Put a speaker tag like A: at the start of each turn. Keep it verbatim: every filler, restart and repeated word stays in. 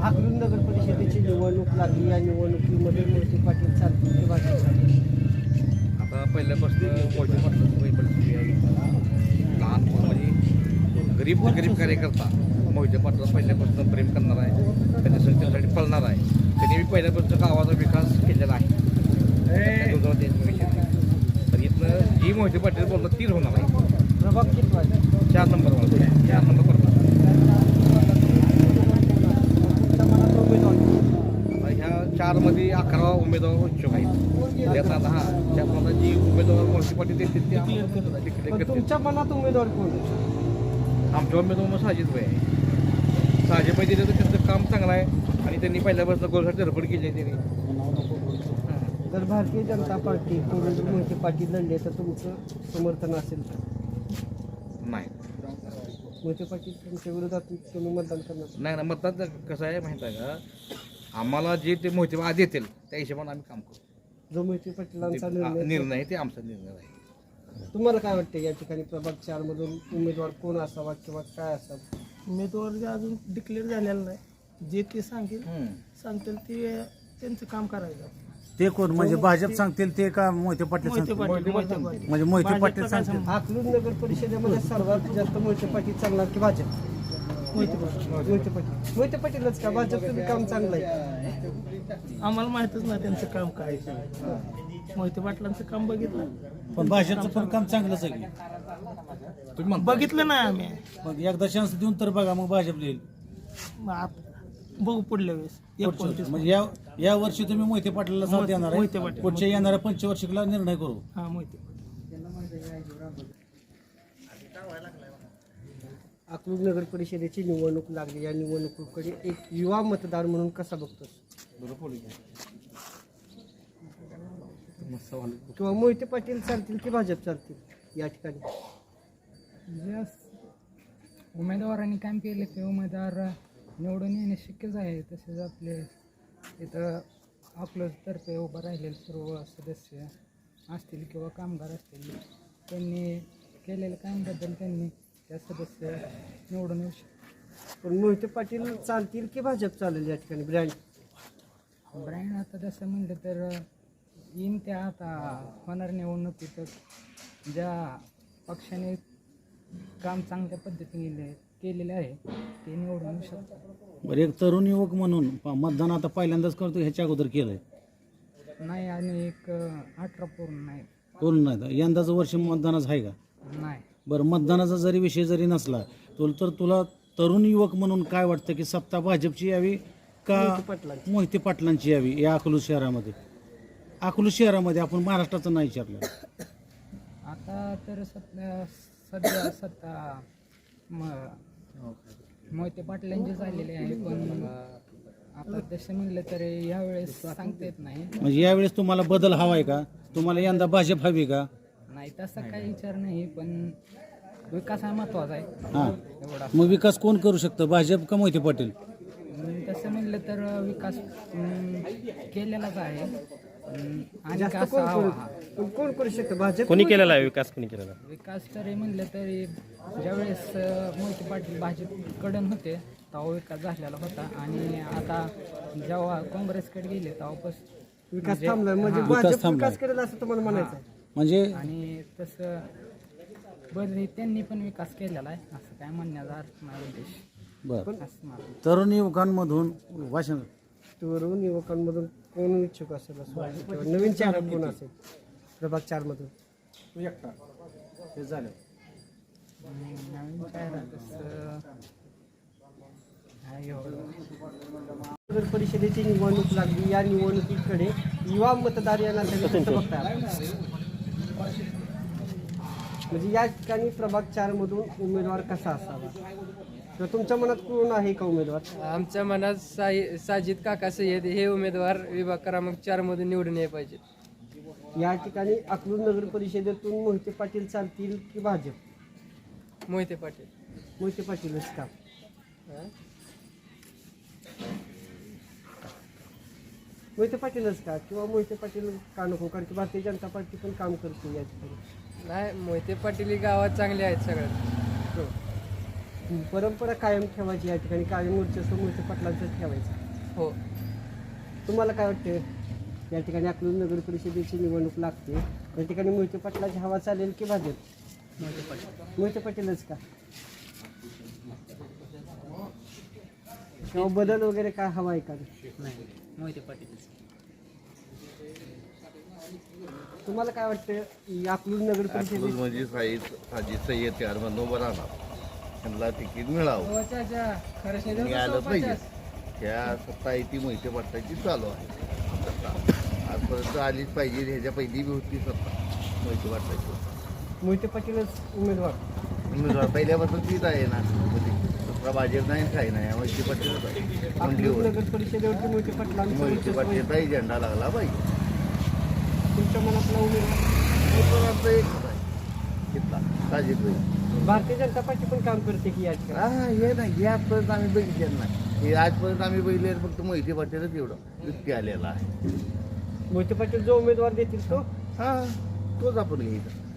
A: अकलूज नगर परिषदेची निवडणूक लागली. या निवडणुकीमध्ये मोहिते पाटील चालतील की भाजप चालतील?
B: आता पहिल्यापासून मोहिते पाटलांची परिस्थिती आहे. लहान म्हणजे गरीब गरीब कार्यकर्ता मोहिते पाटला पहिल्यापासून प्रेम करणार आहे, त्याच्यासाठी त्यासाठी पळणार आहे. त्यांनी मी पहिल्यापासून गावाचा विकास केलेला आहे. तर इथनं जी मोहिते पाटील बोलतात तीच होणार आहे.
A: प्रभाग किती वाजता?
B: चार नंबरवर चार नंबर पडणार. ह्या चारमध्ये अकरा उमेदवार इच्छुक आहेत. त्यात आता हा त्यात जी उमेदवार मोहिते पाटील देतील ते डिक्लेअर करतील.
A: तुमच्या मनात उमेदवार कोण आहे?
B: आमच्या उमेदवार मग साजिद भाई आहे. साजिद भाई दिलं तर त्यांचं काम चांगलं आहे आणि त्यांनी पहिल्यापासून गोलसाठी धडपड केली आहे त्यांनी.
A: जर भारतीय जनता पार्टी कोण मोहिते पाटील लढले तर तुमचं समर्थन असेल तर?
B: नाही
A: मोहिते पाटील तुमच्या विरोधात तुम्ही मतदान करणार?
B: नाही ना, मतदान कसं आहे माहीत आहे का, आम्हाला जे ते मोहिते आज येतील त्या हिशोबाने आम्ही काम करू.
A: जो मोहिते पाटलांचा
B: ते
A: निर्णय
B: निर्णय आहे ते आमचा निर्णय आहे.
A: तुम्हाला काय वाटतं या ठिकाणी प्रभाग चार मधून उमेदवार कोण असावा किंवा काय असावं?
C: उमेदवार जे अजून डिक्लेअर झालेलं नाही, जे ते सांगेल सांगतील ते त्यांचं काम करायचं.
D: ते कोण म्हणजे भाजप सांगतील ते का मोहिते पाटील
C: मोहिते
D: सांगतील?
C: पाटील मोहिते पाटील
D: म्हणजे मोहिते
C: भाजपचं
D: पाटील
C: काय
D: सांगतील.
C: संबंध?
A: अकलूज नगर परिषदेमध्ये सर्वात जास्त मोहिते पाटील चालणार की भाजप?
C: मोहिते पाटील
A: मोहिते पाटील मोहिते पाटीलच का? भाजपचं बी काम चांगलं आहे.
C: आम्हाला माहितच नाही त्यांचं काम काय आहे. मोहिते पाटलांचं काम बघितलं
D: पण भाजपचं पण काम चांगलंच आहे की.
B: तुम्ही म्हणता
C: बघितलं नाही आम्ही.
D: मग एकदा चान्स देऊन तर बघा, मग भाजप येईल.
C: मग आता बघू पुढल्या वेळेस एकोणतीस
D: म्हणजे या या वर्षी तुम्ही मोहिते पाटलाला साथ
C: मोहिते-
D: देणार
C: मोहिते
D: आहे.
C: पाटील.
D: पुढच्या येणाऱ्या पंचवार्षिकला निर्णय करू.
C: हा मोहिते
A: अकलूज नगर परिषदेची निवडणूक लागली. या निवडणुकीकडे एक युवा मतदार म्हणून कसा बघतोस? किंवा मोहिते पाटील चालतील की भाजप चालतील या ठिकाणी?
E: जे उमेदवारांनी काम केले ते उमेदवार निवडून येणे शक्यच आहे. तसेच आपले इथं अकलूजतर्फे उभं राहिलेले सर्व सदस्य असतील किंवा कामगार असतील, त्यांनी केलेल्या कामाबद्दल त्यांनी त्या सदस्य निवडून येऊ शकतात.
A: पण मोहिते पाटील चालतील की भाजप चालेल या ठिकाणी? ब्रँड
E: ब्रँड आता जसं म्हणलं तर येईन त्या आता होणार निवडणुकीत ज्या पक्षाने काम चांगल्या पद्धतीने केलेले आहे ते निवडून येऊ शकतात.
D: बरं, एक तरुण युवक म्हणून प- मतदान आता पहिल्यांदाच करतो, ह्याच्या अगोदर केलंय
E: नाही आणि एक अठरा पूर्ण नाही
D: करून नाही तर यंदाचं वर्ष मतदानाचं आहे का?
E: नाही
D: बरं, मतदानाचा जरी विषय जरी नसला तो तर तुला तरुण युवक म्हणून काय वाटतं की सत्ता भाजपची यावी का
A: पाटलांची.
D: मोहिते पाटलांची यावी या अकलूज शहरामध्ये? अकलूज शहरामध्ये आपण महाराष्ट्राचं नाही विचारलं.
E: आता तर सध्या सध्या सत्ता म मोहिते पाटलांची झालेली आहे, पण आता तसं म्हणलं तर यावेळेस सांगता येत नाही.
D: म्हणजे यावेळेस तुम्हाला बदल हवा आहे का? तुम्हाला यंदा भाजप हवी का?
E: नाही तसा काही विचार नाही, पण विकास हा महत्वाचा आहे
D: हां,
E: एवढा.
D: मग विकास कोण करू शकतं, भाजप का मोहिते पाटील?
E: अं, तसं म्हणलं तर विकास अं, केलेलाच आहे. अं, आणि
A: जास्त
E: का
A: कोण
E: असा
A: करू
E: हवा
A: पण कोण करू शकतं? भाजप
F: कोणी केलेला आहे विकास? कोणी केलेला आहे?
E: विकास तरी म्हणलं तरी ज्यावेळेस अं, मोहिते पाटील भाजपकडून होते तेव्हा विकास झालेला होता आणि आता जेव्हा काँग्रेसकडे गेले तेव्हापासून
A: विकास थांबलाय म्हणजे
E: हां.
D: विकास
A: भाजप
D: थांबलाय.
A: विकास करेल असं तुम्हाला म्हणायचं आहे?
D: म्हणजे
E: आणि तसं बरे त्यांनी पण विकास केलेला आहे असं काय म्हणण्याचा अर्थ नाही उद्देश
D: बरं,
E: असं मला
D: तरुण युवकांमधून भाषण
A: तरुण युवकांमधून कोण इच्छुक असेल असं वाटतं? किंवा नवीन चेहरा कोण असेल प्रभाग चार मधून?
D: हे झालं.
E: आणि नवीन चेहरा तसं नाही एवढं.
A: नगर परिषदेची निवडणूक लागली. या निवडणुकीकडे युवा मतदार या नात्याने कसं बघताय? म्हणजे या ठिकाणी प्रभाग चार मधून उमेदवार कसा असावा तर तुमच्या मनात कोण आहे का उमेदवार?
G: आमच्या मनात साई साजिद काका सय्यद हे उमेदवार विभाग क्रमांक चार मधून निवडून यायला पाहिजे.
A: या ठिकाणी अकलूज नगर परिषदेतून मोहिते पाटील चालतील की भाजप?
G: मोहिते पाटील.
A: मोहिते पाटीलच का? मोहिते पाटीलच का किंवा मोहिते पाटील का नको? कारण की भारतीय जनता पार्टी पण काम करते या ठिकाणी.
G: नाही, मोहिते पाटील ही गावात चांगले आहेत सगळ्यात.
A: परंपरा कायम ठेवायची या ठिकाणी कायम वर्चस्व मोहिते पाटलांचं ठेवायचं.
G: हो.
A: तुम्हाला काय वाटतं या ठिकाणी अकलूज नगर परिषदेची निवडणूक लागते, या ठिकाणी मोहिते पाटलाची हवा चालेल की भाजप? मोहिते पाटीलच का? किंवा बदल वगैरे काय हवा आहे का?
C: नाही मोहिते पाटील.
A: तुम्हाला काय वाटतं अकलूज नगर परिषदेची
H: अकलूज म्हणजे साईद साजिद सय्यद चार म्हणून उभं राहणार, त्यांना तिकीट मिळावं
G: हो, चाचा. खरंच नाही
H: आणि आलं
G: देऊ
H: पाहिजे.
G: पचास.
H: त्या सत्ता आहे ती मोहिते पाटलाची चालू आहे सत्ता. आजपर्यंत आलीच पाहिजे, ह्याच्या पहिली बी होती सत्ता मोहिते पाटलाची.
A: मोहिते पाटीलच उमेदवार.
H: उमेदवार पहिल्यापासून तीच आहे ना, म्हणजे दुसरा भाजप नाही काही नाही, मोहिते पाटीलच आहे.
A: अकलूज
H: मंडलीवर
A: नगर परिषदेवरती मोहिते पाटलांचं
H: मोहिते
A: वर्चस्व आहे.
H: पाटलाचाही झेंडा लागला पाहिजे.
A: तुमच्या मनातला उमेदवार
H: उमेदवारांचा एकच आहे तिथला साजिद भाई.
A: भारतीय जनता पार्टी पण काम करते की या ठिकाणी?
H: हा हे नाही, हे आजपर्यंत आम्ही बघितलेलं नाही. हे आजपर्यंत आम्ही बघितले फक्त मोहिते पाटीलच एवढं युक्ती आलेला आहे.
A: मोहिते पाटील जो उमेदवार देतील तो
H: हा तोच आपण घ्यायचा.